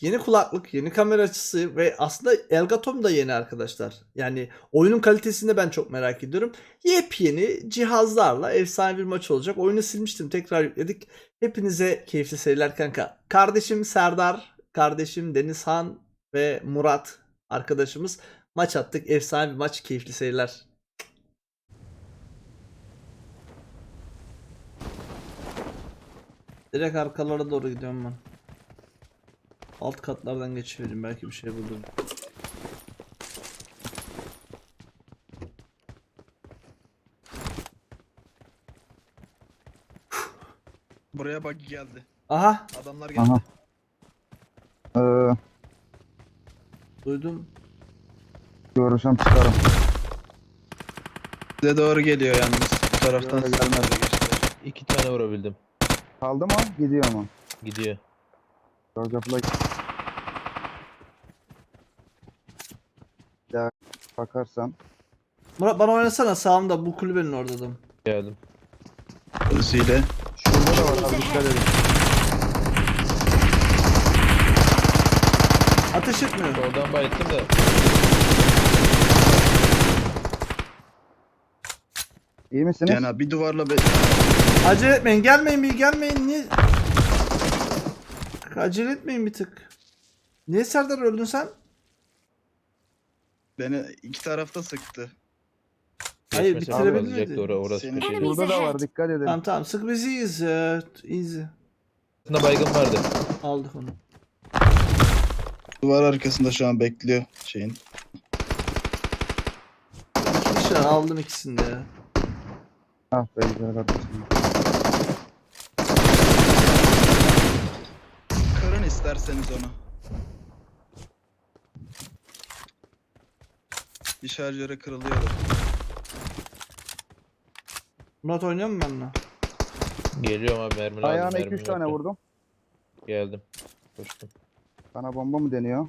yeni kulaklık, yeni kamera açısı ve aslında Elgatom da yeni arkadaşlar. Yani oyunun kalitesini de ben çok merak ediyorum. Yepyeni cihazlarla efsane bir maç olacak. Oyunu silmiştim, tekrar yükledik. Hepinize keyifli seyirler kanka. Kardeşim Serdar, kardeşim Denizhan ve Murat arkadaşımız maç attık. Efsane bir maç, keyifli seyirler. Direkt arkalara doğru gidiyorum ben. Alt katlardan geçivereyim, belki bir şey bulurum. Buraya bak geldi. Aha, Adamlar geldi. Aha. duydum. Görürsem çıkarım. Size doğru geliyor yalnız. Bu taraftan Yok, size gelmez. doğru geçtiler. 2 tane vurabildim. Kaldı mı? Gidiyor mu? Gidiyor. Georgia Flight. Ya bakarsan. Murat bana oynasana, sağımda bu kulübenin orada adam. Geldim. Polisiyle. Şurada da var abi, dikkat edin. Ateş etmiyor. Oradan bayılttım da. İyi misiniz? Yani bir duvarla Acele etmeyin, gelmeyin, bir gelmeyin. Niye? Acele etmeyin bir tık. Niye Serdar öldün sen? beni iki tarafta sıktı. Hayır, Geçmesi bitirebilir lazım. miydi? Orası Senin- köşeli. Burada da var, dikkat edin. Tamam tamam, sık biz iyiyiz ya. Easy. Aslında baygın vardı. Aldık onu. Duvar arkasında şu an bekliyor şeyin. İki kişi aldım ikisini de ya. Ah be güzel kardeşim. Kırın isterseniz onu. Bir şarjöre kırılıyor. Murat oynuyor mu benimle? Geliyorum abi, mermi lazım. Ayağına mermim 2-3 tane yoktu. vurdum. Geldim. Koştum. Bana bomba mı deniyor?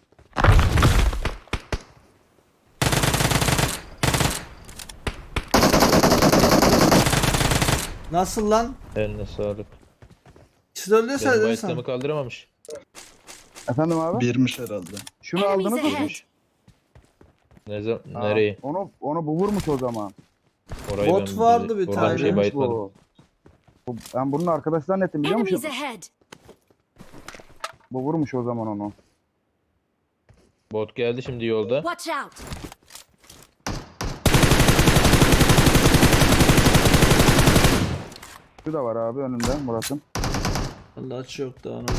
Nasıl lan? Eline sağlık. İkisi de öldüyse Benim dedin bayıtlamı sen. kaldıramamış. Efendim abi? Birmiş herhalde. Şunu aldınız mı? Birmiş. Aa, Nereye? Onu bu vurmuş o zaman. Orayı Bot ben vardı bir oradan tane. bir şey Vurmuş bayıtmadım. Ben bunun arkadaşlar netim biliyor musun? Enemies ahead! Bu vurmuş o zaman onu. Bot geldi şimdi yolda. Watch out! Şu da var abi önünde Murat'ın. Vallahi açı yok daha onu.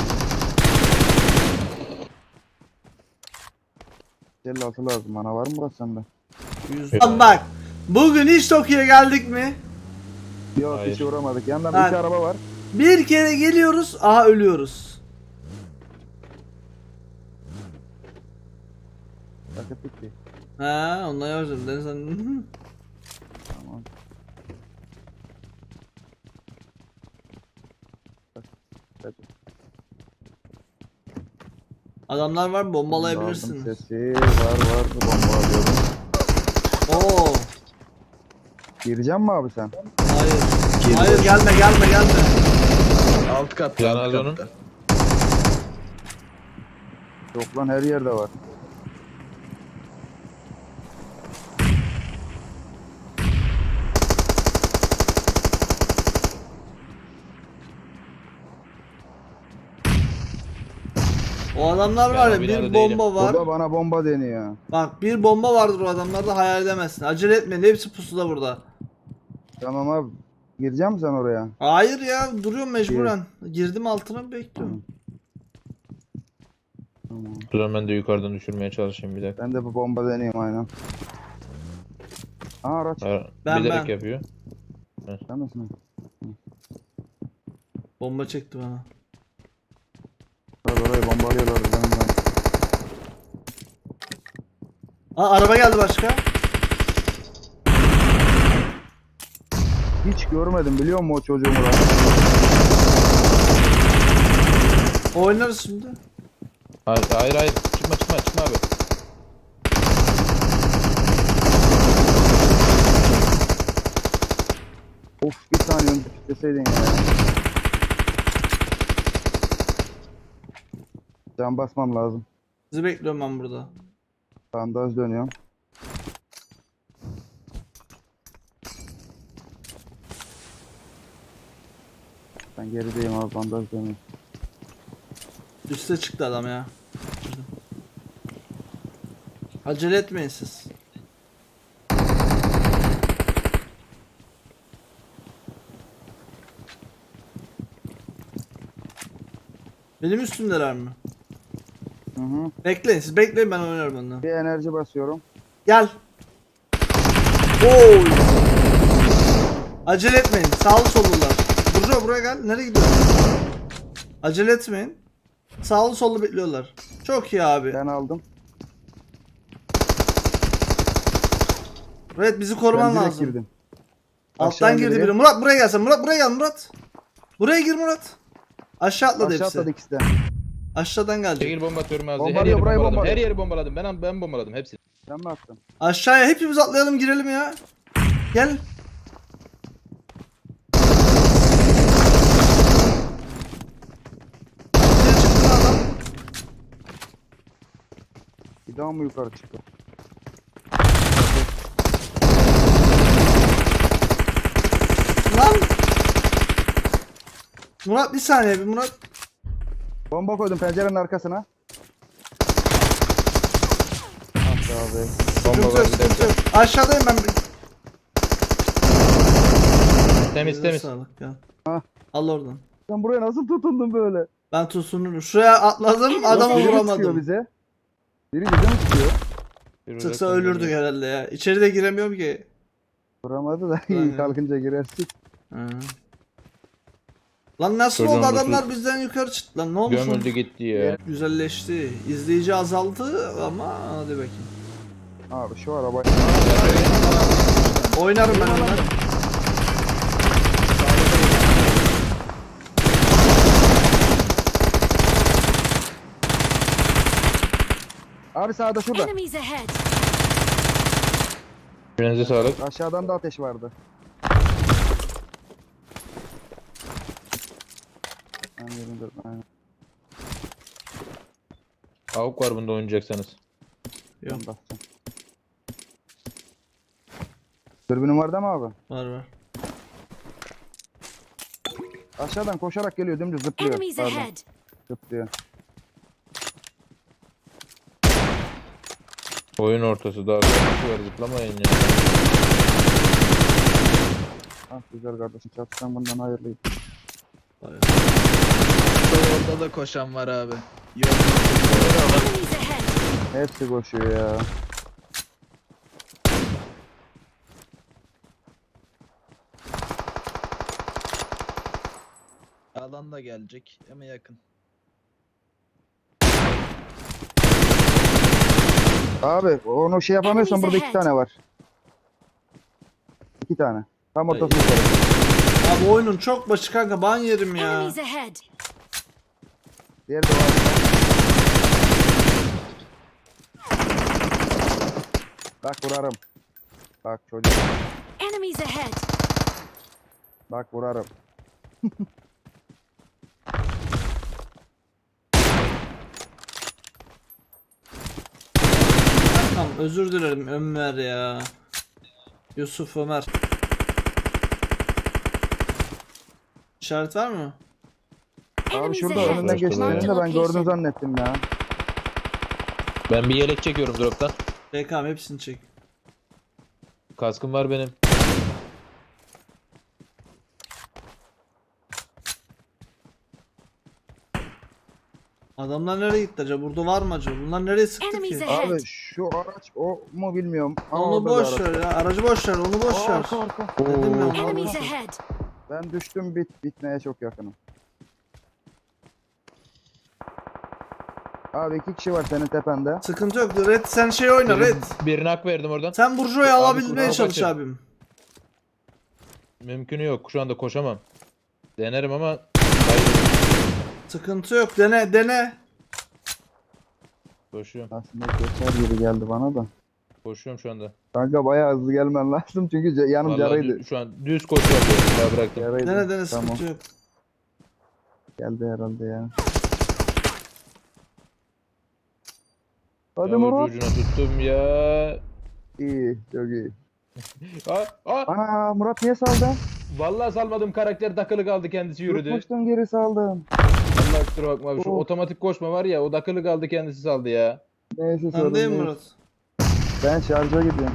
56 lazım bana, var mı Murat sende? 100. Lan bak. Bugün hiç Tokyo'ya geldik mi? Yok Hayır. hiç uğramadık. Yandan Ha. iki araba var. Bir kere geliyoruz, aha ölüyoruz. Paket bitti. Ha, ondan yazdım. Ben sen... Tamam. Hadi. Adamlar var, Aldım bombalayabilirsiniz. Sesi var bomba alıyorum. Oo. Gireceğim mi abi sen? Hayır. Geliyor. Hayır, gelme. Alt katta. Can alt az onun. katta. Yok lan, her yerde var. O adamlar Ben var ya, o bir binada bomba var. Burada bana bomba deniyor. Bak, bir bomba vardır o adamlarda, hayal edemezsin. Acele etmeyin, hepsi pusuda burada. Tamam abi. Gireceğim mi sen oraya? Hayır ya, duruyorum mecburen. Girdim altına, bekliyorum. Tamam. O zaman ben de yukarıdan düşürmeye çalışayım bir dakika. Ben de bu bomba deneyeyim aynen. Aa araç. Ben- Bilerek ben. yapıyor. Sen misin? Bomba çekti bana. Orayı bombalıyorlar. Ben. Aa, araba geldi başka. Hiç görmedim biliyor musun o çocuğumu lan? Oynarız şimdi. Hayır. Çıkma abi. Of, bir saniye önce deseydin ya. Can basmam lazım. Sizi bekliyorum ben burada. Bandaj dönüyorum. Ben gerideyim abi, bandaj dönüyorum. Üste çıktı adam ya. Acele etmeyin siz. Benim üstümdeler mi? Hı hı. Bekleyin siz bekleyin, ben oynarım ondan. Bir enerji basıyorum. Gel. Oy. Acele etmeyin. Sağlı sollular. Burcu buraya gel. Nereye gidiyorsun? Acele etmeyin. Sağlı sollu bekliyorlar. Çok iyi abi. Ben aldım. Evet, bizi koruman Ben direkt lazım. girdim. Alttan Aşağı girdi giriyor. biri. Murat buraya gelsen. Murat buraya gel Murat. Buraya gir Murat. Aşağı atladı Aşağı hepsi. atladı ikisi de. Aşağıdan gelecek. Çekil bomba atıyorum ağzı. Her Bombalıyor, yeri burayı bombaladım. bombalıyor. Her yeri bombaladım. Ben bombaladım hepsini. Sen mi attın? Aşağıya hepimiz atlayalım, girelim ya. Gel. Geri çıktı lan adam. Bir daha mı yukarı çıktı? Lan. Murat bir saniye bir Murat. Bomba koydum pencerenin arkasına. Ah be abi. Bomba Sıkıntı var yok, bir sıkıntı dakika. yok. Aşağıdayım ben. Temiz temiz. Sağlık ya. Ha. Al oradan. Sen buraya nasıl tutundun böyle? Ben tutunurum. Şuraya atladım, adamı Biri mi sıkıyor vuramadım. bize? Biri bize mi sıkıyor? Bir Sıksa uzaktan ölürdük geliyor. herhalde ya. İçeri de giremiyorum ki. Vuramadı da Aynen. iyi kalkınca girersin. Hı. Lan nasıl Çocuğun oldu, ruhu- adamlar bizden yukarı çıktı lan, ne olmuş? Gömüldü gitti ya. Güzelleşti. İzleyici azaldı ama hadi bakayım. Abi şu araba... Oynarım ben onları. Abi sağda şurada. Enemies ahead! Birinize sağlık. Aşağıdan da ateş vardı. Ben yerinde, aynen. Avuk var bunda oynayacaksanız. Yok, Ben basacağım. Dürbünün var değil mi abi? var var. Aşağıdan koşarak geliyor, dümdüz zıplıyor. Enemies Pardon, ahead! zıplıyor. Oyun ortası daha bir var zıplamayın ya. Ah güzel kardeşim, çatışan bundan hayırlıydı. Bayağı. Orada da koşan var abi. Yok. Enemies ahead! Hepsi koşuyor ya. Alan da gelecek ama yakın. Abi onu şey yapamıyorsan Enemies burada 2 ahead. tane var. 2 tane. Tam Ay. ortasında. Abi oyunun çok başı kanka, ban yerim ya. Enemies ahead! Diğeri de var. Bak vurarım. Bak çocuk. Enemies ahead! Bak vurarım. Tamam, özür dilerim Ömer ya. Yusuf Ömer. İşaret var mı? Abi Enemies şurada ahead! önünden Başka geçtiğinde bir ben gördüm zannettim ya. Ben bir yelek çekiyorum droptan. BKM hepsini çek. Kaskım var benim. Adamlar nereye gitti acaba? Burada var mı acaba? Bunlar nereye sıktı Enemies ki? ahead! Abi şu araç o mu bilmiyorum. Ama Onu orada bir boş araç. ver ya. Aracı boş ver. Onu boş Aa, ver. arka arka. Dedim ya, onu Enemies boş ver. ahead! Ben düştüm, bitmeye çok yakınım. Abi 2 kişi var senin tepende. Sıkıntı yok. Red sen şey oyna Red. Birine hak verdim oradan. Sen Burju'yu Abi, alabilmeye kusura çalış bakma. abim. Mümkünü yok. Şu anda koşamam. Denerim ama Sıkıntı yok. Dene dene. koşuyorum. Aslında geçer gibi geldi bana da. Koşuyorum şu anda. Kanka bayağı hızlı gelmen lazım çünkü yanım Vallahi yaraydı. şu an düz koşuyorum. Daha bıraktım. Yaraydı. Dene dene, Tamam. sıkıntı yok. Geldi herhalde ya. Hadi Ya Murat. ucu ucuna tuttum ya. İyi, çok iyi. Aa, Ana Murat niye saldın? vallahi salmadım, karakter takılı kaldı, kendisi yürüdü. Tutmuştun geri saldın. Allah kusura bakma abi, şu Oh. otomatik koşma var ya, o takılı kaldı, kendisi saldı ya. Neyse sorun Sen değil mi değil. Murat? Ben şarja gidiyorum.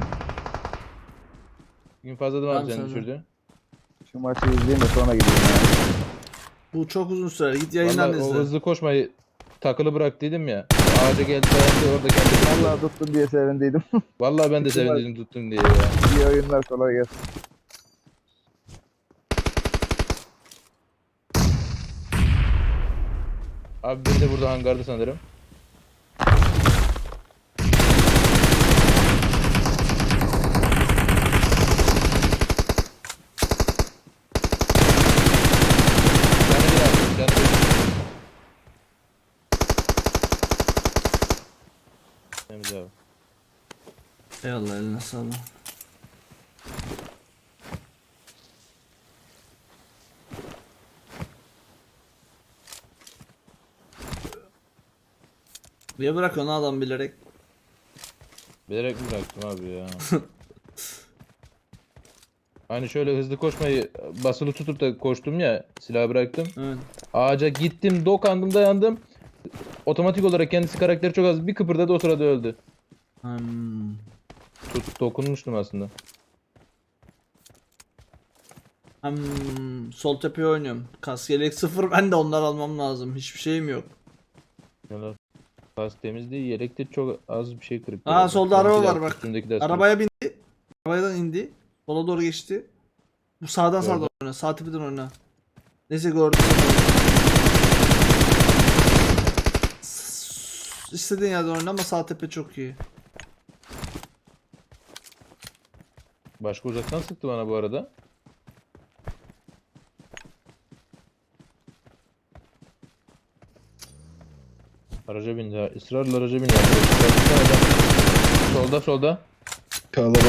Gün fazladım Tamam, abi, sen sen de. düşürdün. Şu maçı izleyeyim de sonra gideyim ya. Bu çok uzun sürer. Git yayından Vallahi o izle. hızlı koşmayı takılı bıraktıydım ya. Ağaca geldi dayandı, orada kendi. Vallahi tuttun diye sevindiydim. Vallahi ben de Güzel. sevindim tuttum diye ya. İyi oyunlar, kolay gelsin. Abi biri de burada hangarda sanırım. Canı bir abi, canı bir. Temiz abi. Eyvallah, eline sağlık. Niye bırakıyorsun adam bilerek? Bilerek mi bıraktım abi ya? Hani şöyle hızlı koşmayı basılı tutup da koştum ya, silahı bıraktım. Evet. Ağaca gittim, dokandım, dayandım. Otomatik olarak kendisi, karakteri çok az bir kıpırdadı, o sırada öldü. Hmm. Dokunmuştum aslında. Sol tepeye oynuyorum. Kask yelek 0, ben de onlar almam lazım. Hiçbir şeyim yok. Yalan. Kas temiz değil, yelekte çok az bir şey kırık. Aa, solda araba Benimki de var bak. üstümdeki de Arabaya bindi. Arabadan indi. Sola doğru geçti. Bu sağdan Gördüm. Başka uzaktan sıktı bana bu arada. Araca bindi ha. Israrla araca bindi. Solda solda. Kalabalık.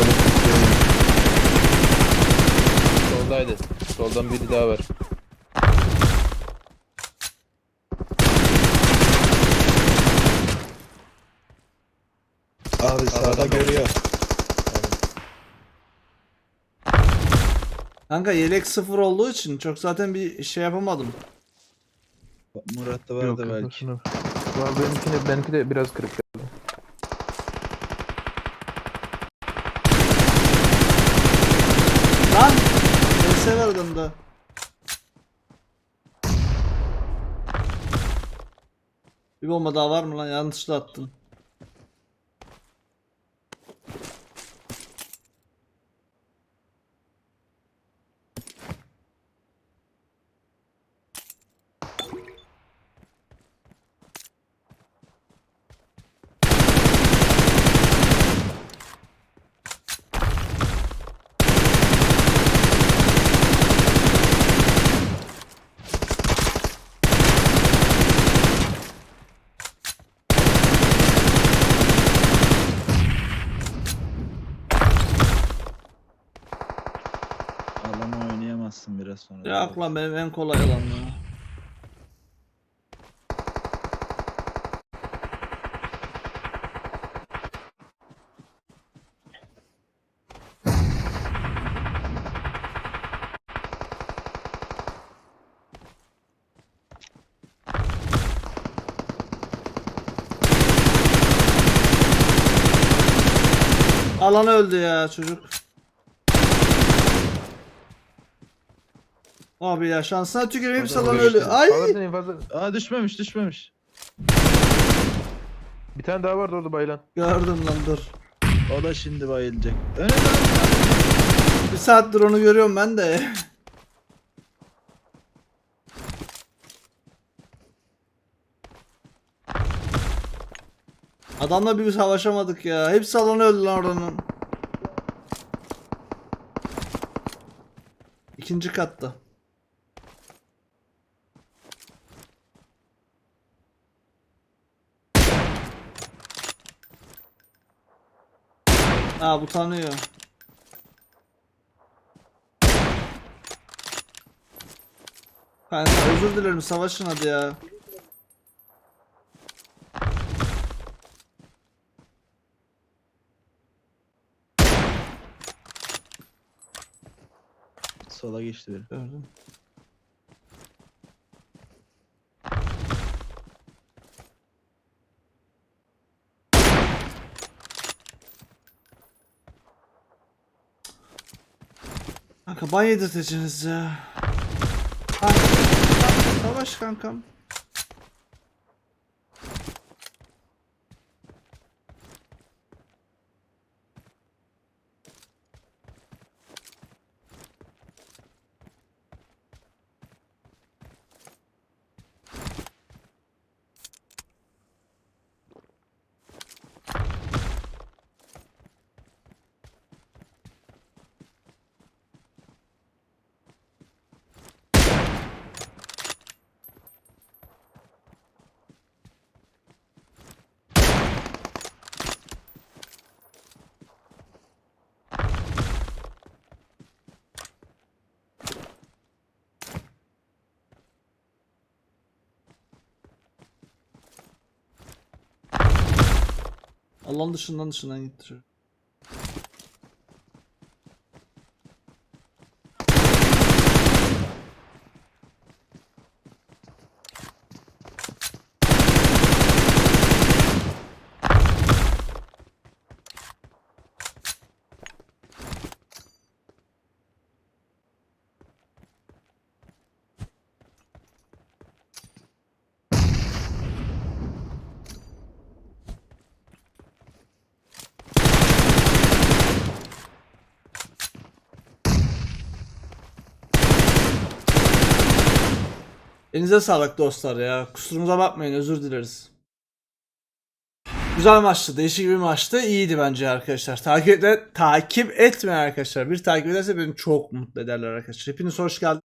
Soldaydı. Soldan biri daha var. Abi sağda görüyor. Kanka yelek 0 olduğu için çok zaten bir şey yapamadım. Murat'ta vardı belki. Benimki de biraz kırık. Lan! VS var adamda. Bir bomba daha var mı lan? Yanlışlıkla attım. Alanı oynayamazsın biraz sonra. Yok lan, benim en kolay alan ya. Alan öldü ya çocuk. Abi ya, şansına tüküreyim, hepsi alan öldü. Ay! Aa, düşmemiş. Bir tane daha vardı orada bayılan. Gördüm lan, dur. O da şimdi bayılacak. Önünde. Bir saattir onu görüyorum ben de. Adamla bir savaşamadık ya. Hepsi alanı öldü lan oranın. İkinci katta. Aa, bu tanıyor. Kanka özür dilerim, savaşın hadi ya. Sola geçti biri. Gördüm. Kanka ban yedirteceksiniz ya. Savaş kankam. Allah'ın dışından gitti. Elinize sağlık dostlar ya. Kusurumuza bakmayın, özür dileriz. Güzel maçtı. Değişik bir maçtı. İyiydi bence arkadaşlar. Takip etmeyen arkadaşlar. Bir takip ederse beni çok mutlu ederler arkadaşlar. Hepiniz hoş geldiniz.